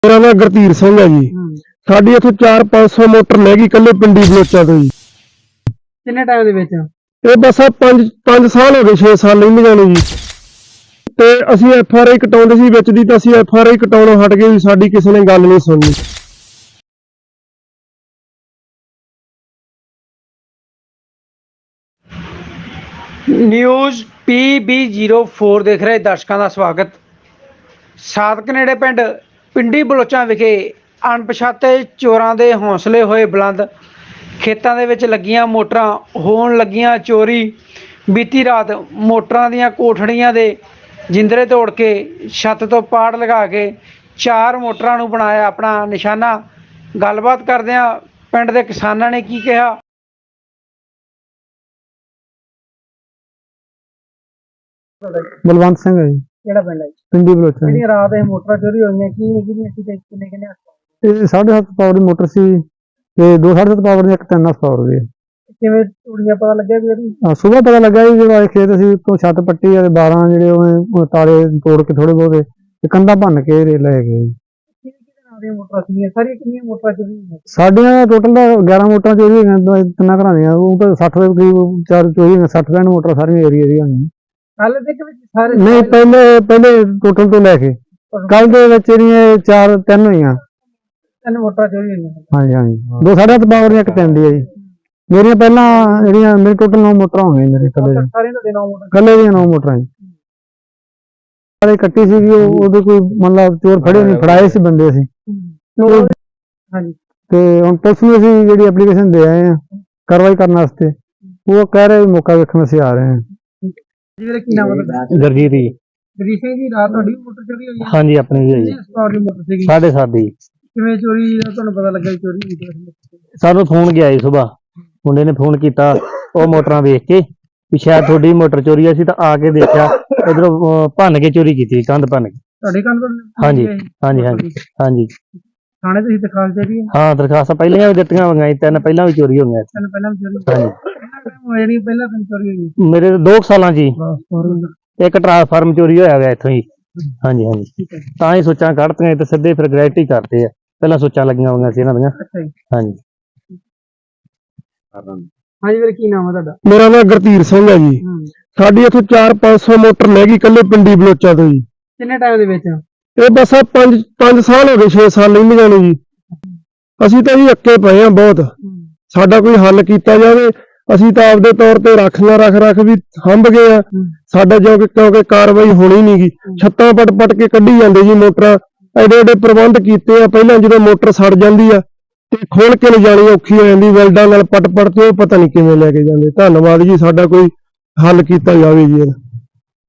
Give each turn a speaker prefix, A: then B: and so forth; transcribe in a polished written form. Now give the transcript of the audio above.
A: मेरा नाम गुरधीर सिंह है जी। साडी इत्थे 400-500 मोटर लह गई कल्ले पिंडी बलोचा तो जी।
B: किन्ने टाइम दे विच
A: ये बस आ 5 साल हो गए 6 साल लंघ जाने जी। ते ਅਸੀਂ FRI ਕਟਾਉਂਦੇ ਸੀ ਵਿੱਚ ਦੀ ਤਾਂ ਅਸੀਂ FRI ਕਟਾਉਣੋਂ ਹਟ ਗਏ ਵੀ ਸਾਡੀ ਕਿਸੇ ਨੇ ਗੱਲ ਨਹੀਂ ਸੁਣਨੀ।
B: ਨਿਊਜ਼ PB04 ਦੇਖ ਰਹੇ ਦਰਸ਼ਕਾਂ ਦਾ ਸਵਾਗਤ। ਸਾਦਕ ਨੇੜੇ ਪਿੰਡ ਪਿੰਡੀ ਬਲੋਚਾਂ ਵਿਖੇ ਅਣਪਛਾਤੇ ਚੋਰਾਂ ਦੇ ਹੌਸਲੇ ਹੋਏ ਬੁਲੰਦ। ਖੇਤਾਂ ਦੇ ਵਿੱਚ ਲੱਗੀਆਂ ਮੋਟਰਾਂ ਹੋਣ ਲੱਗੀਆਂ ਚੋਰੀ। ਬੀਤੀ ਰਾਤ ਮੋਟਰਾਂ ਦੀਆਂ ਕੋਠੜੀਆਂ ਦੇ ਜਿੰਦਰੇ ਤੋੜ ਕੇ ਛੱਤ ਤੋਂ ਪਾੜ ਲਗਾ ਕੇ 4 ਮੋਟਰਾਂ ਨੂੰ ਬਣਾਇਆ ਆਪਣਾ ਨਿਸ਼ਾਨਾ। ਗੱਲਬਾਤ ਕਰਦਿਆਂ ਪਿੰਡ ਦੇ ਕਿਸਾਨਾਂ ਨੇ ਕੀ ਕਿਹਾ।
A: ਬਲਵੰਤ ਸਿੰਘ ਹੈ ਜੀ।
B: ਕਿਹੜਾ ਪਿੰਡ ਹੈ?
A: ਪਿੰਡੀ ਬਲੋਚਾ।
B: ਜਿਹੜੀਆਂ ਰਾਤ ਇਹ ਮੋਟਰਾਂ ਚੋਰੀ ਹੋਈਆਂ ਕੀ ਸੀ ਤੇ ਕਿੰਨੇ
A: ਇਹ 7.5 ਪਾਵਰ ਦੀ ਮੋਟਰ ਸੀ ਤੇ 2.5 ਪਾਵਰ ਦੀ ਇੱਕ 3 ਪਾਵਰ ਦੀ।
B: ਕਿਵੇਂ ਚੋਰੀਆਂ ਪਤਾ ਲੱਗਿਆ ਵੀ ਇਹਦੀ?
A: ਸੁਬਾਹ ਪਤਾ ਲੱਗਾ ਜੀ ਜਦੋਂ ਆਏ ਖੇਤ ਅਸੀਂ ਤੋਂ ਛੱਤ ਪੱਟੀ ਆ ਤੇ 12 ਜਿਹੜੇ ਉਹ ਤਾਲੇ ਤੋੜ ਕੇ ਥੋੜੇ ਬਹੁਤੇ ਤੇ ਕੰਧਾਂ ਭੰਨ ਕੇ ਲੈ ਗਏ।
B: ਕਿਹਦੇ ਨਾਂ ਦੀਆਂ ਮੋਟਰਾਂ ਸੀਗੀਆਂ? ਸਾਰੀਆਂ ਕਿੰਨੀਆਂ ਮੋਟਰਾਂ ਚੋਰੀ ਹੋਈਆਂ?
A: ਸਾਡੀਆਂ ਟੋਟਲ 11 ਮੋਟਰਾਂ ਚੋਰੀ ਹੋਈਆਂ ਤਿੰਨਾਂ ਘਰਾਂ ਦੀਆਂ। ਉਹ ਤਾਂ 60 ਦੇ ਕਰੀਬ 4 ਚੋਰੀ ਹੋਈਆਂ। 60 ਮੋਟਰਾਂ ਸਾਰੀਆਂ ਏਰੀਆ ਦੀਆਂ ਹੋਈਆਂ।
B: ਕੱਲ ਦੇ ਵਿੱਚ ਸਾਰੇ
A: ਨਹੀਂ ਪਹਿਲੇ ਟੋਟਲ ਤੋਂ ਲੈ ਕੇ ਕੱਲ ਦੇ ਵਿੱਚ ਜਿਹੜੀਆਂ 3 ਹੋਈਆਂ।
B: 3 ਮੋਟਰਾਂ ਚੋਰੀ ਹੋਈਆਂ।
A: ਹਾਂਜੀ ਹਾਂਜੀ 2.5 ਪਾਵਰ ਦੀਆਂ ਇੱਕ 3 ਦੀ ਹੈ ਜੀ। ਮੇਰੀਆਂ ਪਹਿਲਾਂ ਜਿਹੜੀਆਂ ਮੇਰੇ ਟੋਟਲ 9 ਮੋਟਰਾਂ ਹੋ ਗਈਆਂ ਮੇਰੇ ਕੱਲੇ ਦੀਆਂ।
B: ਸਾਰੀਆਂ ਤੁਹਾਡੇ 9 ਮੋਟਰਾਂ
A: ਕੱਲੇ ਦੀਆਂ 9 ਮੋਟਰਾਂ ਜੀ। ਸਾਰੇ ਕੱਟੀ ਸੀਗੀ ਉਹਦੇ ਕੋਈ ਮਤਲਬ ਚੋਰ ਫੜੇ ਨਹੀਂ, ਫੜਾਏ ਸੀ ਬੰਦੇ ਅਸੀਂ।
B: ਹਾਂਜੀ
A: ਤੇ ਹੁਣ ਪੁਲਿਸ ਨੂੰ ਅਸੀਂ ਜਿਹੜੀ ਐਪਲੀਕੇਸ਼ਨ ਦੇ ਆਏ ਆ ਕਾਰਵਾਈ ਕਰਨ ਵਾਸਤੇ। ਉਹ ਕਹਿ ਰਹੇ ਮੌਕਾ ਵੇਖਣ ਅਸੀਂ ਆ ਰਹੇ ਹਾਂ।
B: ਜਿਹਦੇ ਕੀ ਨਾਮ ਹੈ ਤੁਹਾਡਾ?
A: ਗੁਰਜੀਤ ਜੀ।
B: ਗਰੀਸ਼ ਸਿੰਘ ਜੀ, ਰਾਤ ਤੁਹਾਡੀ ਮੋਟਰ ਚੋਰੀ ਹੋਈ ਹੈ?
A: ਹਾਂਜੀ ਆਪਣੀ ਵੀ ਹੈ ਜੀ।
B: ਸਪਾਰ ਦੀ ਮੋਟਰ ਸੀਗੀ।
A: 7:30
B: ਕਿਵੇਂ ਚੋਰੀ ਦਾ ਤੁਹਾਨੂੰ ਪਤਾ ਲੱਗਾ ਚੋਰੀ ਹੋਈ ਹੈ?
A: ਸਾਨੂੰ ਫੋਨ ਗਿਆ ਜੀ ਸੁਬਾਹ। ਮੁੰਡੇ ਨੇ ਫੋਨ ਕੀਤਾ ਉਹ ਮੋਟਰਾਂ ਵੇਖ ਕੇ ਵੀ ਸ਼ਾਇਦ ਤੁਹਾਡੀ ਮੋਟਰ ਚੋਰੀ ਆ। ਅਸੀਂ ਤਾਂ ਆ ਕੇ ਦੇਖਿਆ ਇਧਰੋਂ ਭੰਨ ਕੇ ਚੋਰੀ ਕੀਤੀ, ਕੰਧ ਭੰਨ ਕੇ।
B: ਤੁਹਾਡੇ ਕੰਨ ਪਰ?
A: ਹਾਂਜੀ ਹਾਂਜੀ ਹਾਂਜੀ ਹਾਂਜੀ।
B: ਥਾਣੇ ਤੁਸੀਂ ਦਿਖਾਲ ਦੇ ਰਹੀ ਹੈ?
A: ਹਾਂ ਦਰਖਾਸਤਾਂ ਪਹਿਲੀਆਂ ਵੀ ਦਿੱਤੀਆਂ ਹੋਈਆਂ ਜੀ। 3 ਪਹਿਲਾਂ ਵੀ ਚੋਰੀ ਹੋਈਆਂ।
B: ਤਿੰਨ ਪਹਿਲਾਂ ਵੀ ਚੋਰੀ
A: ਹਾਂਜੀ
B: ਜਿਹੜੀ ਪਹਿਲਾਂ ਤਿੰਨ ਚੋਰੀ ਹੋਈ?
A: ਮੇਰੇ 2 ਸਾਲਾਂ 'ਚ ਜੀ ਇੱਕ ਟਰਾਂਸਫਾਰਮ ਚੋਰੀ ਹੋਇਆ ਹੋਇਆ ਇੱਥੋਂ ਹੀ। ਹਾਂਜੀ ਹਾਂਜੀ ਤਾਂ ਹੀ ਸੋਚਾਂ ਕੱਢਤੀਆਂ ਤੇ ਸਿੱਧੇ ਫਿਰ ਗ੍ਰੈਜੂਏਟੀ ਕਰਦੇ ਆ। ਪਹਿਲਾਂ ਸੋਚਾਂ ਲੱਗੀਆਂ ਹੋਈਆਂ ਸੀ ਇਹਨਾਂ ਦੀਆਂ।
B: ਅੱਛਾ ਜੀ।
A: ਹਾਂਜੀ
B: ਹਾਂਜੀ ਵੀਰ ਕੀ ਨਾਮ ਹੈ ਤੁਹਾਡਾ?
A: ਮੇਰਾ ਨਾਮ ਗੁਰਧੀਰ ਸਿੰਘ ਹੈ ਜੀ। ਸਾਡੀ ਇੱਥੇ 400-500 ਮੋਟਰ ਲੈ ਗਈ ਕੱਲੇ ਪਿੰਡੀ ਬਲੋਚਾ ਤੋਂ ਜੀ।
B: ਕਿੰਨੇ ਟਾਈਮ ਦੇ ਵਿੱਚ?
A: ਇਹ ਬਸ ਆ 5 ਸਾਲ ਹੋ ਗਏ 6 ਸਾਲ ਲੰਘ ਜਾਣੇ ਜੀ। ਅਸੀਂ ਤਾਂ ਜੀ ਅੱਕੇ ਪਏ ਆ ਬਹੁਤ। ਸਾਡਾ ਕੋਈ ਹੱਲ ਕੀਤਾ ਜਾਵੇ। ਅਸੀਂ ਤਾਂ ਆਪਦੇ ਤੌਰ ਤੇ ਰੱਖ ਵੀ ਹੰਭ ਗਏ ਆ। ਸਾਡਾ ਕਿਉਂਕਿ ਕਾਰਵਾਈ ਹੋਣੀ ਨੀ ਗੀ। ਛੱਤਾਂ ਪਟ ਕੇ ਕੱਢੀ ਜਾਂਦੇ ਜੀ ਮੋਟਰਾਂ। ਐਡੇ ਪ੍ਰਬੰਧ ਕੀਤੇ ਆ। ਪਹਿਲਾਂ ਜਦੋਂ ਮੋਟਰ ਸੜ ਜਾਂਦੀ ਆ ਤੇ ਖੋਲ ਕੇ ਲਿਜਾਣੀ ਔਖੀ ਹੋ ਜਾਂਦੀ ਵੈਲਡਾਂ ਨਾਲ ਪਟ ਤੇ ਉਹ ਪਤਾ ਨਹੀਂ ਕਿਵੇਂ ਲੈ ਕੇ ਜਾਂਦੇ। ਧੰਨਵਾਦ ਜੀ, ਸਾਡਾ ਕੋਈ ਹੱਲ ਕੀਤਾ ਜਾਵੇ ਜੀ ਇਹਦਾ।